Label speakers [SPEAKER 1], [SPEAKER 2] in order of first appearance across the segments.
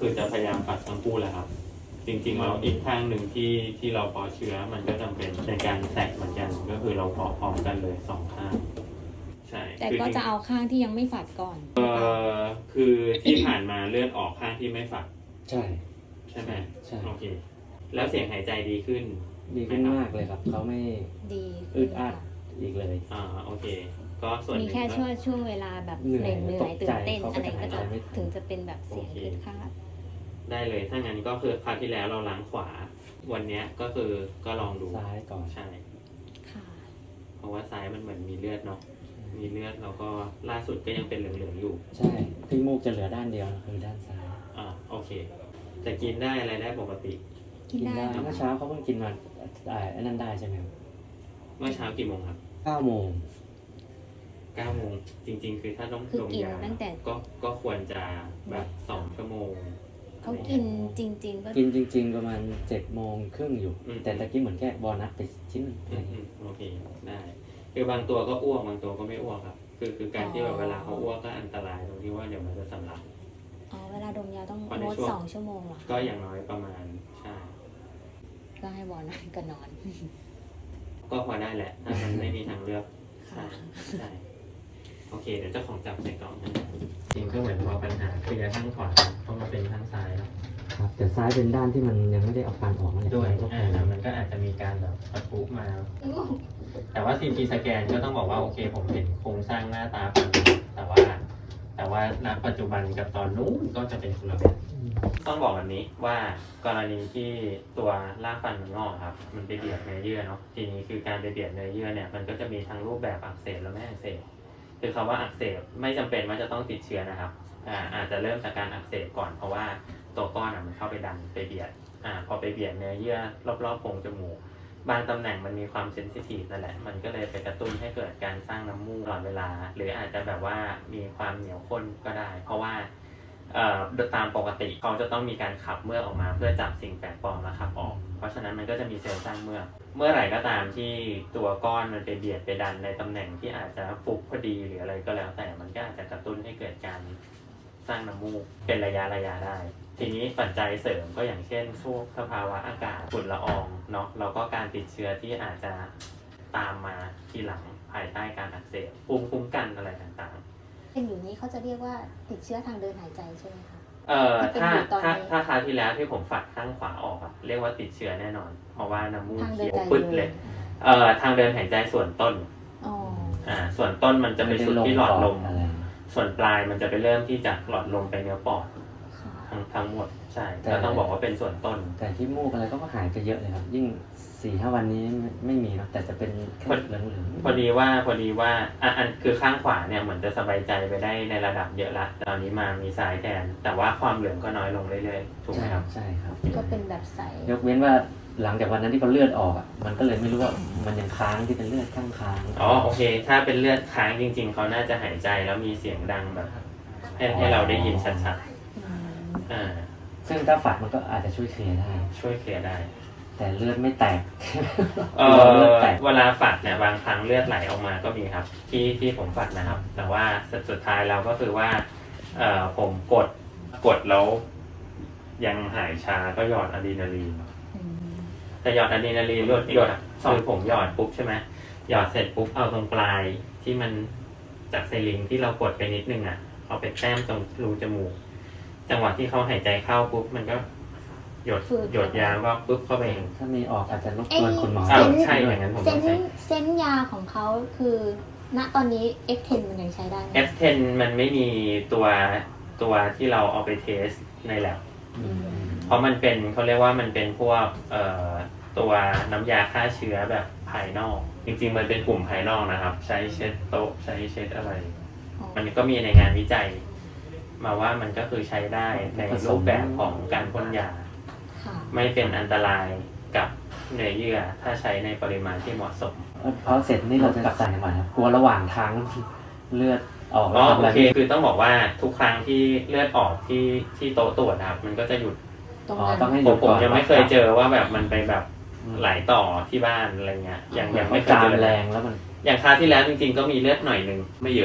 [SPEAKER 1] คือจะพยายามปัดทั้งคู่แหละครับจริงๆเราอีกข้างหนึ่งที่เราเพาะเชื้อมันก็จำเป็นในการแตกเหมือนกันก็คือเราเพาะพร้อมกันเลย2ข้างใช่
[SPEAKER 2] แต่ก็จะเอาข้างที่ยังไม่ฝัดก่อน
[SPEAKER 1] คือที่ผ่านมาเลือดออกข้างที่ไม่ฝัก
[SPEAKER 3] ใช่
[SPEAKER 1] ไหม
[SPEAKER 3] ใช่
[SPEAKER 1] โอเคแล้วเสียงหายใจดีขึ้น
[SPEAKER 3] มากเลยครับเขาไม่
[SPEAKER 2] ดี
[SPEAKER 3] อึดอัดอีกเลย
[SPEAKER 1] โอเคก็ส่วน
[SPEAKER 2] มีแค่ช่วงเวลาแบบเหนื่อยตื่นเต้นอะไรก็จะถึงจะเป็นแบบเสียงขึ้นคาด
[SPEAKER 1] ได้เลยถ้างั้นก็คือคราวที่แล้วเราล้างขวาวันนี้ก็คือก็ลองดู
[SPEAKER 3] ซ้ายก่อน
[SPEAKER 1] ใช่ค่ะเพราะว่าซ้ายมันเหมือนมีเลือดเนาะมีเลือดแล้วก็ล่าสุดก็ยังเป็นเหลืองๆอยู่
[SPEAKER 3] ใช่ที่มูกจะเหลือด้านเดียวคือด้านซ้าย
[SPEAKER 1] โอเคจะกินได้อะไรได้ปกติ
[SPEAKER 2] กินได้
[SPEAKER 3] เมื่อเช้าเขาเพิ่งกินมาอันนั้นได้ใช่ไหมครับ
[SPEAKER 1] เมื่อเช้ากี่โมงครับ
[SPEAKER 3] 9 โมง
[SPEAKER 1] 9 โมงจริงๆคือถ้าต้องดมยาก็ควรจะแบบ2 ชั่วโมง
[SPEAKER 2] เขากินจริงๆก็
[SPEAKER 3] กินจริงๆประมาณ7:30อยู่แต่ตะกี้เหมือนแค่บอนัสไปชิ้น
[SPEAKER 1] โอเคได้คือบางตัวก็อ้วกบางตัวก็ไม่อ้วกครับคือการที่แบบเวลาเขาอ้วกก็อันตรายตรงที่ว่าเดี๋ยวมันจะสำลัก
[SPEAKER 2] เวลาดมยาต้องงด2 ชั่วโมงหรอ
[SPEAKER 1] ก็อย่างน้อยประมาณใช่
[SPEAKER 2] ก็ให้บอนัสก็นอน
[SPEAKER 1] ก็พอได้แหละถ้ามันไม่มีทางเลือกใช่โอเคเดี๋ยวเจ้าของจับใส่กล่องนะจริงก็เหมือนพอปัญหาเคลียร์ข้างขวาเพราะมันเป็นข้างซ้าย
[SPEAKER 3] ครับแต่ซ้ายเป็นด้านที่มันยังไม่ได้เอาฟันออกมา
[SPEAKER 1] ด้วยมันก็อาจจะมีการแบบปะทุมาแต่ว่า CT สแกนก็ต้องบอกว่าโอเคผมเห็นโครงสร้างหน้าตาฟันแต่ว่าณปัจจุบันกับตอนนู้นก็จะเป็นคนละแบบต้องบอกแบบนี้ว่ากรณีที่ตัวรากฟันมันงอกครับมันไปเบียดเนื้อเยื่อเนาะทีนี้คือการไปเบียดเนื้อเยื่อเนี่ยมันก็จะมีทั้งรูปแบบอักเสบและไม่อักเสบคือคำว่าอักเสบไม่จำเป็นว่าจะต้องติดเชื้อนะครับอาจจะเริ่มจากการอักเสบก่อนเพราะว่าตัวก้อนมันเข้าไปดันไปเบียดพอไปเบียดเนื้อเยื่อรอบๆโพรงจมูกบางตำแหน่งมันมีความเซนซิทีฟนั่นแหละมันก็เลยไปกระตุ้นให้เกิดการสร้างน้ำมูกตลอดเวลาหรืออาจจะแบบว่ามีความเหนียวข้นก็ได้เพราะว่าตามปกติเขาจะต้องมีการขับเมือกออกมาเพื่อจับสิ่งแปลกปลอมแล้วขับออกเพราะฉะนั้นมันก็จะมีเซลล์สร้างเมือกเมื่อไหร่ก็ตามที่ตัวก้อนมันไปเบียดไปดันในตำแหน่งที่อาจจะฟุบพอดีหรืออะไรก็แล้วแต่มันก็อาจจะกระตุ้นให้เกิดการสร้างน้ำมูกเป็นระยะได้ทีนี้ปัจจัยเสริมก็อย่างเช่นพวกสภาวะอากาศฝุ่นละอองเนาะแล้วก็การติดเชื้อที่อาจจะตามมาทีหลังภายใต้การอักเสบภูมิคุ้มกันอะไรต่างๆ
[SPEAKER 2] เป็นอยู่นี้เขาจะเรียกว่าติดเชื้อทางเดินหายใจใช่ไหมคะ
[SPEAKER 1] ถ้าคราวที่แล้วที่ผมฝัดข้างขวาออกอะเรียกว่าติดเชื้อแน่นอนเพราะว่าน้ำมูกเขียวปึ๊ดเลยทางเดินหายใจส่วนต้นส่วนต้นมันจะไปสุดที่หลอดลมส่วนปลายมันจะไปเริ่มที่จากหลอดลมไปเนื้อปอดทั้งหมดใช่ก็ต้องบอกว่าเป็นส่วนต้น
[SPEAKER 3] แต่ที่มูกอะไรก็หายไปเยอะเลยครับยิ่ง 4-5 วันนี้ไม่มีนะแต่จะเป็นแค่เหลือง
[SPEAKER 1] ๆพอดีว่าอันคือข้างขวาเนี่ยเหมือนจะสบายใจไปได้ในระดับเยอะละตอนนี้มามีสายแทนแต่ว่าความเหลืองก็น้อยลงเรื่อยๆถูกไหมครับ
[SPEAKER 3] ใช่ครับ
[SPEAKER 2] ก็เป็นแบบใส
[SPEAKER 3] ยกเว้นว่าหลังจากวันนั้นที่เขาเลือดออกอ่ะมันก็เลยไม่รู้ว่ามันยังค้างที่เป็นเลือดค้าง
[SPEAKER 1] โอเคถ้าเป็นเลือดค้างจริงๆเขาน่าจะหายใจแล้วมีเสียงดังแบบให้เราได้ยินชัดๆ
[SPEAKER 3] ซึ่งถ้าฝัดมันก็อาจจะช่วยเคลียร์
[SPEAKER 1] ได้
[SPEAKER 3] แต่เลือดไม่แตก
[SPEAKER 1] เวลาฝัดเนี่ยบางครั้งเลือดไหลออกมาก็มีครับที่ผมฝัดนะครับแต่ว่าสุดท้ายเราก็คือว่าผมกดแล้วยังหายชาก็หยอดอะดรีนาลีนแต่หยอดอะดรีนาลีนหยดคือผมหยอดปุ๊บใช่ไหมหยอดเสร็จปุ๊บเอาตรงปลายที่มันจากไซลิงที่เรากดไปนิดนึงเอาไปแต้มตรงรูจมูกจังหวะที่เขาหายใจเข้าปุ๊บมันก็หยดยาก็ปุ๊บเข้าไปเอง
[SPEAKER 3] ถ้ามีออกอาจจะรบกวนคุณหมอ
[SPEAKER 1] ใช่อย่างนั้นผมต้องใช้
[SPEAKER 2] เส้นยาของเขาคือณตอนนี้ F10 มันยังใช้ได้ไหม
[SPEAKER 1] F10 มันไม่มีตัวที่เราเอาไปเทสในแลบเพราะมันเป็นเขาเรียกว่ามันเป็นพวกตัวน้ำยาฆ่าเชื้อแบบภายนอกจริงๆมันเป็นกลุ่มภายนอกนะครับใช้เช็ดโต๊ะใช้เช็ดอะไรมันก็มีในงานวิจัยมาว่ามันก็คือใช้ได้ในรูปแบบของการพ่นยาไม่เป็นอันตรายกับเนื้อเยื่อถ้าใช้ในปริมาณที่เหมาะสม
[SPEAKER 3] พอเสร็จนี่เราจะกลับใส่ยังไงครับกลัวระหว่างทางเลือดออก
[SPEAKER 1] โอเคคือต้องบอกว่าทุกครั้งที่เลือดออกที่โต๊ะตรวจครับมันก็จะหยุด
[SPEAKER 3] ต้องให้หยุด
[SPEAKER 1] ผมยังไม่เคยเจอว่าแบบมันไปแบบไหลต่อที่บ้านอะไรเงี้ยอย่างไม่เคยเจอ
[SPEAKER 3] แรงแล้วมัน
[SPEAKER 1] อย่างคราวที่แล้วจริงๆก็มีเลือดหน่อยนึงไม่เยอะ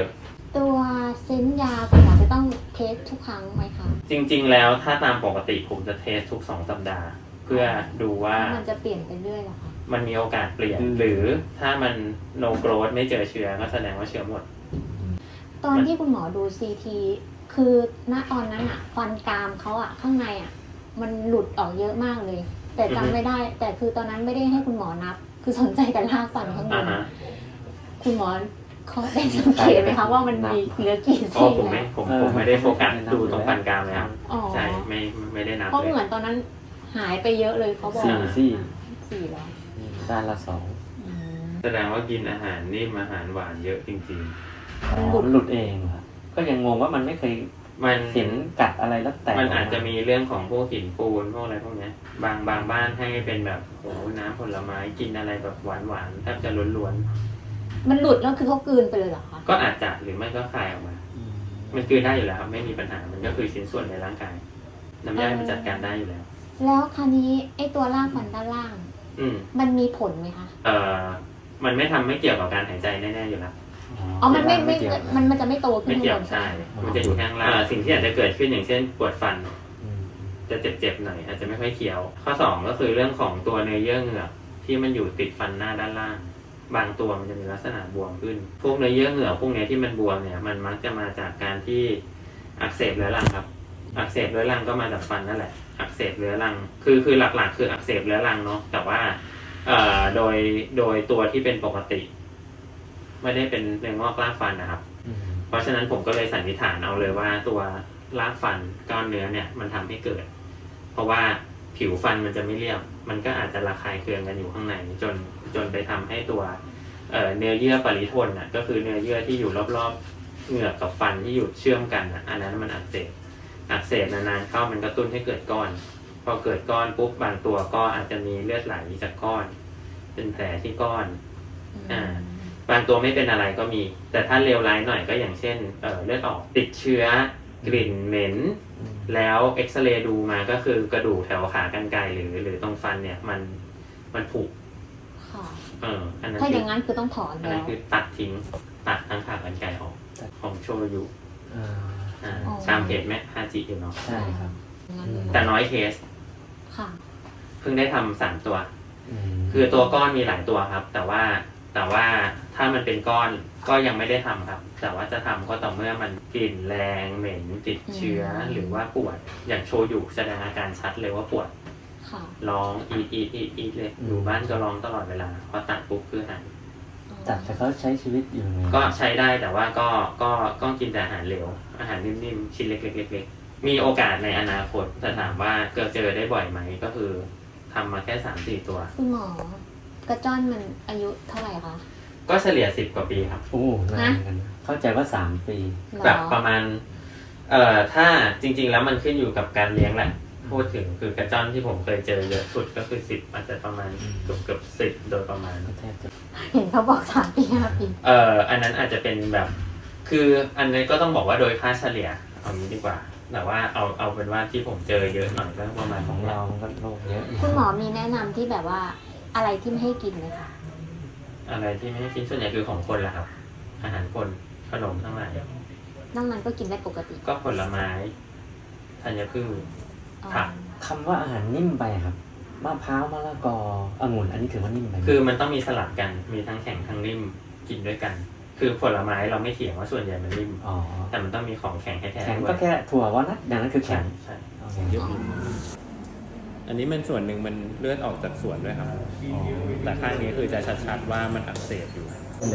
[SPEAKER 2] ตัวเส้นยาคุณหมอจะต้องเทสทุกครั้งไหมคะ
[SPEAKER 1] จริงๆแล้วถ้าตามปกติผมจะเทสทุก2 สัปดาห์ เพื่อดูว่า
[SPEAKER 2] มันจะเปลี่ยนไปเรื่อยเหรอคะ
[SPEAKER 1] มันมีโอกาสเปลี่ยน หรือถ้ามัน no growth ไม่เจอเชื้อก็แสดงว่าเชื้อหมด
[SPEAKER 2] ตอนที่คุณหมอดูซีทีคือณตอนนั้นอะฟันกรามเขาอะข้างในอะมันหลุดออกเยอะมากเลย แต่จำไม่ได้ แต่คือตอนนั้นไม่ได้ให้คุณหมอนับ คือสนใจแต่รากฟันข้างบน คุณหมอเขาได้สังเกตไหมคะว่ามันมีเหลือกี่
[SPEAKER 1] อ๋อ
[SPEAKER 2] ซี่
[SPEAKER 1] ผม
[SPEAKER 2] แล้
[SPEAKER 1] ไม่ได้โฟกัสดูตรงฟันกรามเลยครับ
[SPEAKER 2] อ๋อ
[SPEAKER 1] ใช่ไม่ได้นับ
[SPEAKER 2] เพราะ
[SPEAKER 1] เล
[SPEAKER 2] เหมือย นตอนนั้นหายไปเยอะเลยเขาบอก
[SPEAKER 3] 4 ซี่
[SPEAKER 2] 4แล้ว
[SPEAKER 3] ด้านละ 2
[SPEAKER 2] อืม
[SPEAKER 1] แสดงว่ากินอาหารนิ่มอาหารหวานเยอะจริง
[SPEAKER 3] มันหลุดเองครับก็ยังงงว่ามันไม่เคย
[SPEAKER 1] ๆ มัน
[SPEAKER 3] เห็นกัดอะไรแล้วแตก
[SPEAKER 1] มันอาจจะมีเรื่องของพวกหินปูนพวกอะไรพวกเนี้ยบางบ้านให้เป็นแบบโอ้น้ำผลไม้กินอะไรแบบหวานๆแทบจะล้วน
[SPEAKER 2] มันหลุดแล้วคือเขากลืนไปเลยเหรอคะ
[SPEAKER 1] ๆก็อาจจะหรือไม่ก็คายออกมา มันกลืนได้อยู่แล้วครับไม่มีปัญหามันก็คือชิ้นส่วนในร่างกายน้ำย่อยมันจัดการได้อยู่แล้ว
[SPEAKER 2] แล้วคราวนี้ไอ้ตัวรากฟันด้านล่าง
[SPEAKER 1] อืม
[SPEAKER 2] มันมีผลไหมคะ
[SPEAKER 1] มันไม่เกี่ยวกับการหายใจแน่ๆอยู่แล้ว
[SPEAKER 2] อ๋อ มันไม่
[SPEAKER 3] เกี่ยว
[SPEAKER 2] มันจะไม่โตขึ้น
[SPEAKER 1] ไม่
[SPEAKER 2] ข้าง
[SPEAKER 1] เกี่ย
[SPEAKER 2] บ
[SPEAKER 1] วน
[SPEAKER 2] ใช่
[SPEAKER 1] ใช่
[SPEAKER 2] ไหม
[SPEAKER 1] มันจะอยู่ข้างล่างสิ่งที่อาจจะเกิดขึ้นอย่างเช่น ปวดฟัน
[SPEAKER 3] อืม
[SPEAKER 1] จะเจ็บๆหน่อยอาจจะไม่ค่อยเคี้ยว ข้อ2ก็คือเรื่องของตัวเนื้อเยื่อเหงือกที่มันอยู่ติดฟันหน้าด้านล่าง บางตัวมันจะมีลักษณะบวมขึ้น พวกเนื้อเยื่อเหงือกพวกเนี้ยที่มันบวมเนี่ยมันมักจะมาจากการที่อักเสบเรื้อรังครับ อักเสบเรื้อรังก็มาจากฟันนั่นแหละ อักเสบเรื้อรังคือหลักๆ คืออักเสบเรื้อรังเนาะแต่ว่าโดยตัวที่เป็นปกติ ไม่ได้เป็นเนื้องอกรากฟันนะครับ
[SPEAKER 3] อืม
[SPEAKER 1] เพราะฉะนั้นผมก็เลยสันนิษฐานเอาเลยว่าตัวรากฟันก้อนเนื้อเนี่ยมันทำให้เกิด เพราะว่าผิวฟันมันจะไม่เรียบ มันก็อาจจะระคายเคืองกันอยู่ข้างในจนไปทำให้ตัวเนื้อเยื่อปริทนน่ะก็คือเนื้อเยื่อที่อยู่รอบๆเหงือกกับฟันที่อยู่เชื่อมกันน่ะอันนั้นมันอักเสบนานๆเข้ามันกระตุ้นให้เกิดก้อน พอเกิดก้อนปุ๊บบางตัวก็อาจจะมีเลือดไหลจากก้อน เป็นแผลที่ก้อน บางตัวไม่เป็นอะไรก็มี แต่ถ้าเลวร้ายหน่อยก็อย่างเช่นเลือดออกติดเชื้อกลิ่นเหม็น แล้วเอ็กซเรย์ดูมาก็คือกระดูกแถวขากรรไกรหรือตรงฟันเนี่ยมันผุ
[SPEAKER 2] ค่ะ
[SPEAKER 1] อันนั้น
[SPEAKER 2] ถ้าอย่างนั้นคือต้องถอน
[SPEAKER 1] อัน
[SPEAKER 2] แล้
[SPEAKER 1] นั้
[SPEAKER 2] วน
[SPEAKER 1] คือตัดทิ้งตัดทั้งขากรรไกรออกของโชยุ
[SPEAKER 3] อ่า
[SPEAKER 1] ตามเพจแม่ฮาจิอยู่เนาะ
[SPEAKER 3] ใช่ครับ
[SPEAKER 2] งั้นเลย
[SPEAKER 1] แต่น้อยเคส
[SPEAKER 2] ค่ะ
[SPEAKER 1] เพิ่งได้ทำ3 ตัว
[SPEAKER 3] ม
[SPEAKER 1] คือตัวก้อนมีหลายตัวครับ แต่ว่าถ้ามันเป็นก้อนก็ยังไม่ได้ทำครับ แต่ว่าจะทำก็ต่อเมื่อมันกลิ่นแรงเหม็นติดเชื้อหรือว่าปวดอย่างโชยุแสดงอาการชัดเลยว่าปวด
[SPEAKER 2] ค่ะ
[SPEAKER 1] ร้องอีดเลยอยู่บ้านก็ร้องตลอดเวลาพอตัดปุ๊บคือหาย
[SPEAKER 3] จัดแต่เขาใช้ชีวิตอยู่ไง
[SPEAKER 1] ก็ใช้ได้แต่ว่าก็กินแต่อาหารเหลวอาหารนิ่มๆชิ้นเล็กๆมีโอกาสในอนาคตแต่ถามว่าเจอได้บ่อยไหมก็คือทำมาแค่ 3-4 ตัว
[SPEAKER 2] คุณหมอกระจ้อนมันอายุเท่าไหร่คะ
[SPEAKER 1] ก็เฉลี่ย10 กว่าปีครับ
[SPEAKER 3] โอ้นานเหมือนกันเข้าใจว่า 3 ปี
[SPEAKER 2] หรอ
[SPEAKER 1] แบบประมาณถ้าจริงๆแล้วมันขึ้นอยู่กับการเลี้ยงแหละพูดถึงคือกระจ้อนที่ผมเคยเจอเยอะสุดก็คือ10อาจจะประมาณเกือบ10โดยประมาณ
[SPEAKER 3] แทบจะ
[SPEAKER 2] เห็นเขาบอก3 ปี5 ปี
[SPEAKER 1] อันนั้นอาจจะเป็นแบบคืออันนี้ก็ต้องบอกว่าโดยค่าเฉลี่ยเอางี้ดีกว่าแต่ว่าเอาเป็นว่าที่ผมเจอเยอะหน่อยก็ประมาณ
[SPEAKER 3] ของเรามันก็โรคเยอะ
[SPEAKER 2] คุณหมอมีแนะนำที่แบบว่าอะไรที่ไม่ให้กินไหมคะ
[SPEAKER 1] อะไรที่ไม่ให้กินส่วนใหญ่คือของคนแหละครับ อาหารคนขนมทั้งหลาย
[SPEAKER 2] นอกนั้นก็กินได้ปกติ
[SPEAKER 1] ก็ผลไม้ธัญพืช
[SPEAKER 2] อ๋อ
[SPEAKER 1] ผัก
[SPEAKER 3] คำว่าอาหารนิ่มไปครับมะพร้าวมะละกอองุ่นอันนี้ถือว่านิ่มไปไหม
[SPEAKER 1] คือมันต้องมีสลับกันมีทั้งแข็งทั้งนิ่มกินด้วยกัน คือผลไม้เราไม่เถียงว่าส่วนใหญ่มันนิ่ม
[SPEAKER 3] อ๋อ
[SPEAKER 1] แต่มันต้องมีของแข็งให้แท้
[SPEAKER 3] แข็ง
[SPEAKER 1] ด้ว
[SPEAKER 3] ก็
[SPEAKER 1] ย
[SPEAKER 3] แค่ถั่ววอลนัทอย่างนั้นคือ
[SPEAKER 1] ใช่
[SPEAKER 3] แข็ง
[SPEAKER 1] ใช่
[SPEAKER 3] เอาอย่างยุบ
[SPEAKER 1] อันนี้มันส่วนหนึ่งมันเลือดออกจากส่วนด้วยครับ แต่ข้างนี้คือจะชัดๆว่ามันอักเสบอยู่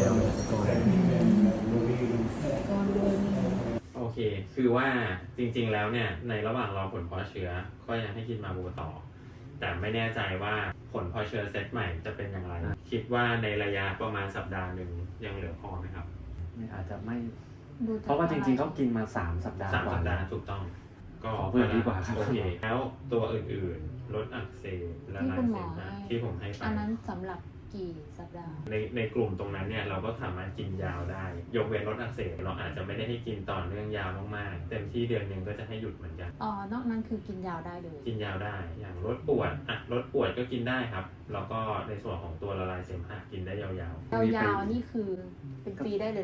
[SPEAKER 1] โอเค คือว่าจริงๆแล้วเนี่ยในระหว่างรอผลเพาะเชื้อก็ยังให้กินมาบูต่อ แต่ไม่แน่ใจว่าผลเพาะเชื้อเซตใหม่จะเป็นอย่างไร คิดว่าในระยะประมาณสัปดาห์หนึ่งยังเหลือพอไหมครับ
[SPEAKER 3] นี่อาจจะไม่
[SPEAKER 2] ดูจก
[SPEAKER 3] เพราะว่าจริงๆเขากินมา3 สัปดาห์
[SPEAKER 1] 3
[SPEAKER 3] กว่า
[SPEAKER 1] สัปดาห์ถูกต้อง ก็
[SPEAKER 3] ขอเพิ่มดีกว่าครับ
[SPEAKER 1] โอเคแล้วตัวอื่นๆลดอักเสบและลายเสมหะที่ผมให้ไป
[SPEAKER 2] อันนั้นสำหรับกี่สัปดาห์
[SPEAKER 1] ในกลุ่มตรงนั้นเนี่ยเราก็สามารถกินยาวได้ ยกเว้นลดอักเสบเราอาจจะไม่ได้ให้กินต่อเนื่องยาวมากๆเต็มที่เดือนหนึ่งก็จะให้หยุดเหมือนกัน
[SPEAKER 2] อ๋อ นอกนั้นคือกินยาวได้เลย
[SPEAKER 1] กินยาวได้อย่างลดปวดลดปวดก็กินได้ครับแล้วก็ในส่วนของตัวละลายเสมหะกินได้ยาว
[SPEAKER 2] ยาวๆนี่คือเป็นปีได้เลยเหรอคะ
[SPEAKER 1] ๆ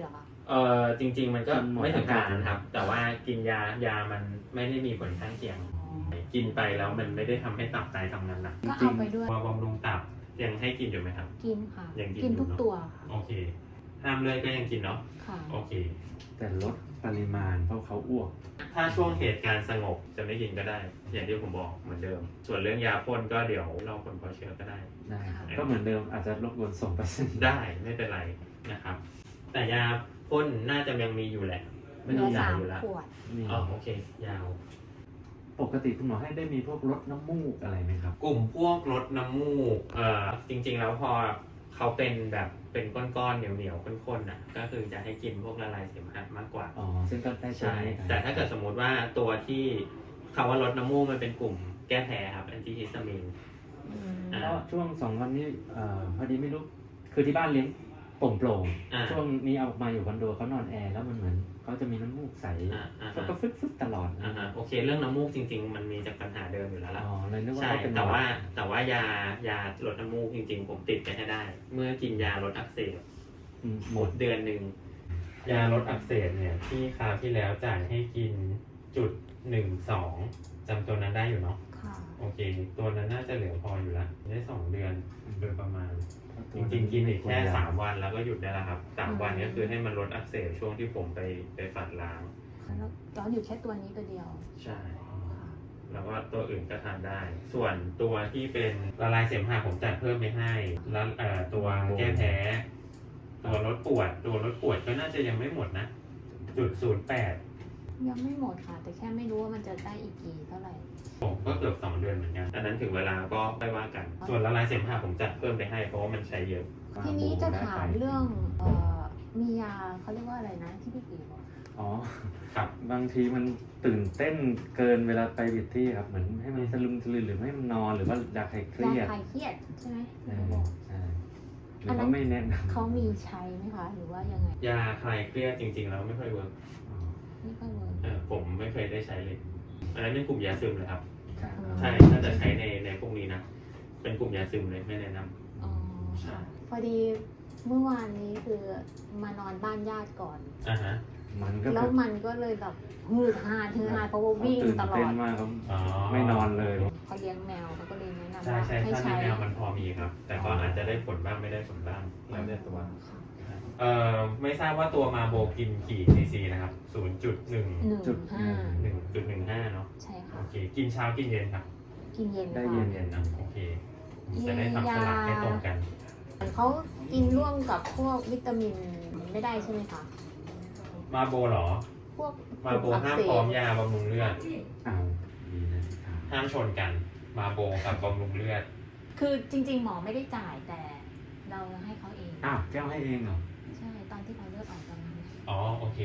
[SPEAKER 1] จริงๆมันก็ไม่ถึงขนาดนั้นครับ แต่ว่ากินยามันไม่ได้มีผลข้างเคียง กินไปแล้วมันไม่ได้ทำให้ตับไตทำงานหนัก
[SPEAKER 2] ก็เอาไปด้วย
[SPEAKER 1] ว่าบำรุงตับยังให้กินอยู่ไหมครับ
[SPEAKER 2] กินค่ะ
[SPEAKER 1] ยังกิน
[SPEAKER 2] กินทุก
[SPEAKER 1] อยู่เนอะ
[SPEAKER 2] ตัวค่ะ
[SPEAKER 1] โอเค ห้ามเลยก็ยังกินเนาะ
[SPEAKER 2] ค่ะ
[SPEAKER 1] โอเค
[SPEAKER 3] แต่ลดปริมาณเพราะเขาอ้วก
[SPEAKER 1] ถ้าช่วงเหตุการณ์สงบจะไม่กินก็ได้ อย่างที่ผมบอกเหมือนเดิม ส่วนเรื่องยาพ่นก็เดี๋ยวรอผลพอเชื้อก็ได้
[SPEAKER 3] ได้ครับก็เหมือนเดิมอาจจะรบกวนส่งไปเส้น
[SPEAKER 1] ได้ไม่เป็นไรนะครับ แต่ยาพ่นน่าจะยังมีอยู่แหละ ไม่
[SPEAKER 2] เห
[SPEAKER 1] ต้
[SPEAKER 2] ลื
[SPEAKER 1] อง
[SPEAKER 2] อ
[SPEAKER 1] ยา
[SPEAKER 2] 3
[SPEAKER 1] อยู่แล้ว
[SPEAKER 2] ขวด
[SPEAKER 3] นี่
[SPEAKER 1] อ๋อโอเค ยาว
[SPEAKER 3] ปกติคุณหมอให้ได้มีพวกลดน้ำมูกอะไรไหมครับ
[SPEAKER 1] กลุ่มพวกลดน้ำมูกจริงๆแล้วพอเขาเป็นแบบเป็นก้อนๆเหนียวๆข้นๆน่ะ ก็คือจะให้กินพวกละลายเสมหะมากกว่า
[SPEAKER 3] อ๋อซึ่งก็ได้
[SPEAKER 1] ใช่ แต่ถ้าเกิดสมมุติว่าตัวที่คำว่าลดน้ำมูกมันเป็นกลุ่มแก้แพ้ครับแอนติฮิสตามีน
[SPEAKER 2] อืม
[SPEAKER 3] แล้วช่วง2 วันนี้พอดีไม่รู้คือที่บ้านเลี้ยงโปร่ง
[SPEAKER 1] อ่า
[SPEAKER 3] ๆช่วงนี้เอามาอยู่คอนโดเขานอนแอร์แล้วมันเหมือนเขาจะมีน้ำมูกใส
[SPEAKER 1] อ่า
[SPEAKER 3] แล้วก็ฟึดๆตลอด
[SPEAKER 1] โอเค เรื่องน้ำมูกจริง ๆ มันมีจากปัญหาเดิมอยู่แล้วล่ะ
[SPEAKER 3] อ๋อเลยนึกว่า
[SPEAKER 1] ใช่
[SPEAKER 3] เขาเป็น
[SPEAKER 1] แต่ว่ายาลดน้ำมูกจริงๆ ผมติดไปให้ได้ เมื่อกินยาลดอักเสบ
[SPEAKER 3] ห
[SPEAKER 1] ห
[SPEAKER 3] ม
[SPEAKER 1] ม
[SPEAKER 3] ด
[SPEAKER 1] ดเดือนหนึ่งยาลดอักเสบเนี่ยที่คราวที่แล้วจ่ายให้กิน1.12จำตัวนั้นได้อยู่เนาะ
[SPEAKER 2] ค่ะ
[SPEAKER 1] โอเค ตัวนั้นน่าจะเหลือพออยู่ละได้2 เดือนโดยประมาณ จริงๆกินอีกแค่3 วันแล้วก็หยุดได้แล้วครับ3 วันก็คือให้มันลดอักเสบช่วงที่ผมไปฝัดล้าง
[SPEAKER 2] แล้วร้อนอยู่แค่ตัวนี้ตัวเดียว
[SPEAKER 1] ใช่ แล้วก็ตัวอื่นก็ทานได้ ส่วนตัวที่เป็นละลายเสมหะผมจัดเพิ่มไปให้แล้วตัวแก้แพ้ ตัวลดปวดก็น่าจะยังไม่หมดนะ0.08
[SPEAKER 2] ยังไม่หมดค่ะ แต่แค่ไม่รู้ว่ามันจะได้อีกกี่เท่าไหร่
[SPEAKER 1] ผมก็เกือบ2 เดือนเหมือนกันอันนั้นถึงเวลาก็ค่อยว่ากัน ส่วนละลายเสมหะผมจัดเพิ่มไปให้เพราะว่ามันใช้เยอะ
[SPEAKER 2] ทีนี้จะถามเรื่องมียาเขาเรียกว่าอะไรนะที่พี่ปีบอก
[SPEAKER 3] อ๋อ
[SPEAKER 1] ครับ
[SPEAKER 3] บางทีมันตื่นเต้นเกินเวลาไปบิดที่ครับเหมือนให้มันสลึมสลือหรือให้มันนอนหรือว่ายาคลายเครีย
[SPEAKER 2] ยา
[SPEAKER 3] ด
[SPEAKER 2] คลายเครียดใช่ไหม
[SPEAKER 3] ใช่
[SPEAKER 2] ที่เขาบอก
[SPEAKER 3] ใช่หรือว่าไม่แนะนำ
[SPEAKER 2] เขามีใช้ไหมคะ หรือว่ายังไง
[SPEAKER 1] ยาคลายเครียดจริงๆแล้วไม่ค่อยเวิร์ก
[SPEAKER 3] อ๋อ
[SPEAKER 2] ไม่ค่อยเวิร์ก
[SPEAKER 1] ผมไม่เคยได้ใช้เลย อันนั้นเป็นกลุ่มยาซึมเลยครับ
[SPEAKER 3] ครับ
[SPEAKER 1] ใช่ ถ้าจะใช้ในพวกนี้นะ เป็นกลุ่มยาซึมเลยไม่แนะน
[SPEAKER 2] อ๋อ
[SPEAKER 1] ใช่
[SPEAKER 2] พอดีเมื่อวานนี้คือมานอนบ้านญาติก่อน
[SPEAKER 1] ำอ่าฮะ
[SPEAKER 3] มันก็
[SPEAKER 2] แล้วมันก็เลยแบบฮืดฮาเพราะว่าวิ่ง
[SPEAKER 3] ตื่น
[SPEAKER 2] ตลอ
[SPEAKER 3] เต้น
[SPEAKER 2] ด
[SPEAKER 3] มากครับ
[SPEAKER 1] อ๋อ
[SPEAKER 3] ไม่นอนเลย
[SPEAKER 2] เขาเลี้ยงแมวเขาก็เลยแนะนำ
[SPEAKER 1] ใช่
[SPEAKER 2] ว่า
[SPEAKER 1] ใช่
[SPEAKER 2] ให้
[SPEAKER 1] ถ้า
[SPEAKER 2] ใช้
[SPEAKER 1] ในแมวมันพอมีครับ แต่ก็อาจจะได้ผลบ้างไม่ได้ผลบ้างแล้วแต่ตัว
[SPEAKER 2] ค่ะ
[SPEAKER 1] ไม่ทราบว่าตัวมาโบกินกี่ซีซีนะครับ 0.1.1.15 เนาะ
[SPEAKER 2] ใช่ค่ะ
[SPEAKER 1] โอเค กินเช้ากินเย็นครับ
[SPEAKER 2] กินเย็น
[SPEAKER 3] ได้
[SPEAKER 2] ค่ะ
[SPEAKER 3] เย็น
[SPEAKER 1] นะโอเค จะได้ทำสลับให้ตรงกัน
[SPEAKER 2] เขากินร่วมกับพวกวิตามินไม่ได้ใช่ไหมคะ
[SPEAKER 1] มาโบเหรอ
[SPEAKER 2] พวก
[SPEAKER 1] มาโบห้ามพร้อมยาบำรุงเลือด
[SPEAKER 3] เอาดีนะครับ
[SPEAKER 1] ห้ามชนกัน มาโบกับบำรุงเลือด
[SPEAKER 2] คือจริงๆ หมอไม่ได้จ่ายแต่เราให้เขาเอง
[SPEAKER 3] อ้าวแก้วให้เองเหรอ
[SPEAKER 2] ใช่ตอนที่เขาเลือดออกตอนนั้น
[SPEAKER 1] อ๋อโอเค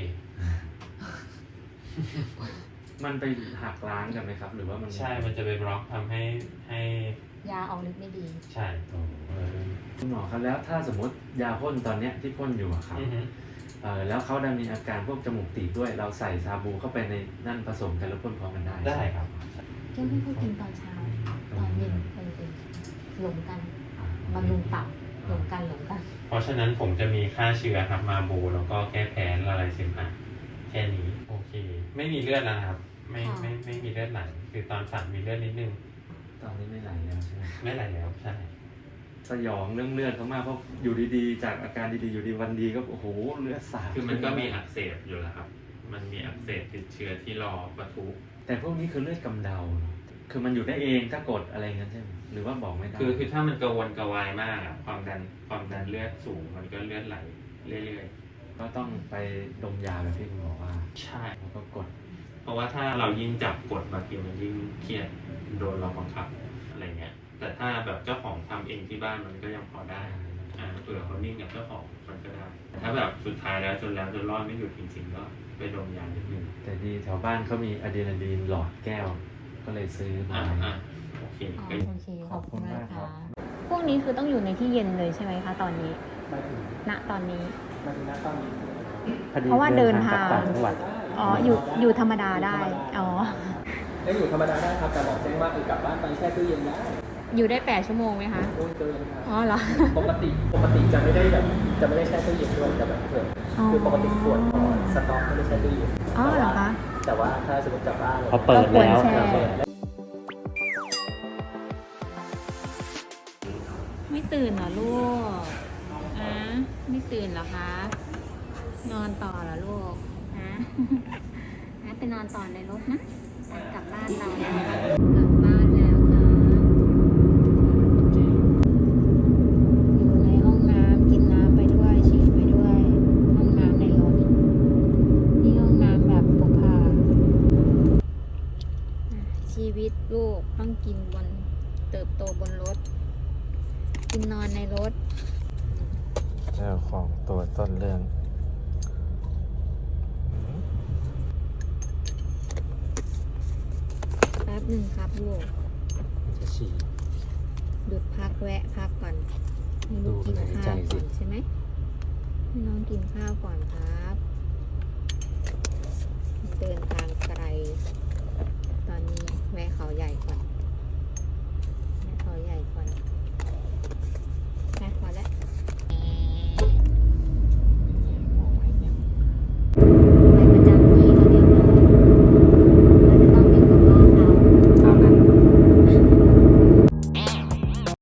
[SPEAKER 3] มันไปหักล้างกันไหมครับ หรือว่ามัน
[SPEAKER 1] ใช่ มันจะไปบล็อกทำให้
[SPEAKER 2] ยาออกฤทธิ์ไม่ดี
[SPEAKER 1] ใช่
[SPEAKER 3] โอ้คุณหมอครับแล้วถ้าสมมติยาพ่นตอนเนี้ยที่พ่นอยู่อะครับ
[SPEAKER 1] อือฮึ
[SPEAKER 3] แล้วเขาได้มีอาการพวกจมูกตีบด้วย เราใส่ซาบูเข้าไปในนั่นผสมกันแล้วพ่นพร้อมกันได้
[SPEAKER 1] ได้ครับ
[SPEAKER 2] แก้วให้เขากินตอนเช้า ตอนเย็นหลงกันบำรุงตับหลงกัน
[SPEAKER 1] เพราะฉะนั้นผมจะมีค่าเชื้อครับมาโบแล้วก็แก้แพ้ละลายเสมหะแค่นี้ โอเค ไม่มีเลือดแล้วนะครับ ไม่มีเลือดไหลคือตอนฝันมีเลือดนิดนึง
[SPEAKER 3] ตอนนี้ไม่ไหลแล้วใช่ไหม
[SPEAKER 1] ไม่ไหลแล้วใช่
[SPEAKER 3] สยองเรื่องเลือดเขามากเพราะอยู่ดีๆ จากอาการดีๆอยู่ดีวันดีก็โอ้โหเลือดสาด
[SPEAKER 1] คือมันก็มีอักเสบอยู่แล้วครับ มันมีอักเสบติดเชื้อที่รอปะทุ
[SPEAKER 3] แต่พวกนี้คือเลือดกำเดาเนอะคือมันอยู่ได้เองถ้ากดอะไรเงี้ยใช่ไหมหรือว่าบอกไม่ได้
[SPEAKER 1] คือถ้ามันกระวนกระวายมากอะความดันเลือดสูงมันก็เลือดไหลเรื่อย
[SPEAKER 3] ก็ต้องไปดมยาแบบที่คุณบอกว่า
[SPEAKER 1] ๆ ใช่
[SPEAKER 3] แล้วก็กด
[SPEAKER 1] เพราะว่าถ้าเรายิ่งจับกดบางทีมันยิ่งเครียดโดนเราบังคับอะไรเงี้ย แต่ถ้าแบบเจ้าของทำเองที่บ้านมันก็ยังพอได้เผื่อเขานิ่งกับเจ้าของมันก็ได้แต่ถ้าแบบสุดท้ายแล้วจนรอดไม่หยุดจริงๆก็ไปดมยานิดนึง
[SPEAKER 3] แต่ดีแถวบ้านเขามีอะดรีนาลีนหลอดแก้ว ก็เลยซื้อมา
[SPEAKER 1] โอเค
[SPEAKER 2] อ๋อ
[SPEAKER 1] ก็
[SPEAKER 2] โอเคขอบคุณมาก
[SPEAKER 3] ขอบคุณมากครั
[SPEAKER 2] ค่ะ
[SPEAKER 3] บ
[SPEAKER 2] พวกนี้คือต้องอยู่ในที่เย็นเลยใช่ไหมคะตอนนี้
[SPEAKER 4] มาถึง
[SPEAKER 2] ณตอนนี้
[SPEAKER 4] มาถึงหน้าตอนนี้
[SPEAKER 3] พอดี
[SPEAKER 2] เพราะว่าเดินทาง
[SPEAKER 3] กลับต่างจังหวัด
[SPEAKER 2] อ๋ออยู่ธรรมดาได้ อ๋อ
[SPEAKER 4] ได้อยู่ธรรมดาได้ครับแต่บอกแจ้งว่าคือกลับบ้านไปแช่ตู้เย็นได้
[SPEAKER 2] อยู่ได้ 8 ชั่วโมงไหมคะ
[SPEAKER 4] โอ้ยเกินครับ
[SPEAKER 2] อ๋อเหรอ
[SPEAKER 4] ปกติจะไม่ได้แบบจะไม่ได้แช่ตู้เย็นด้วยจะแบบเผื่อ
[SPEAKER 2] อ๋อ
[SPEAKER 4] คือปกติขวดของสต๊อกไม่ได้แช่ตู้เย็น
[SPEAKER 2] อ๋อเหรอคะ
[SPEAKER 4] แต่ว่าถ้าสมมติกลับบ้านอะไร
[SPEAKER 3] พอเปิดแล้ว
[SPEAKER 2] ก็ควรแช่
[SPEAKER 4] เปิดแล้ว
[SPEAKER 2] ไม่ตื่นเหรอลูกอะไม่ตื่นเหรอคะ นอนต่อเหรอลูกฮะ งั้นไปนอนต่อในรถนะกลับบ้านเราแล้วกลับบ้านแล้วค่ะอยู่ในห้องน้ำกินน้ำไปด้วยฉี่ไปด้วย ห้องน้ำในรถนี่ห้องน้ำแบบพกพาชีวิตลูกต้องกินเติบโตบนรถ กินนอนในรถ
[SPEAKER 3] เจ้าของตัวต้นเรื่อง
[SPEAKER 2] แป๊บหนึ่งครับลูก
[SPEAKER 3] จะฉี่
[SPEAKER 2] หยุดพักแวะพักก่อนให้ลูกกิน
[SPEAKER 3] ดูหายใจ
[SPEAKER 2] ข้าว
[SPEAKER 3] สิ
[SPEAKER 2] ก่อนใช่ไหมให้น้องกินข้าวก่อนครับ เดินทางไกล ตอนนี้แวะเขาใหญ่ก่อน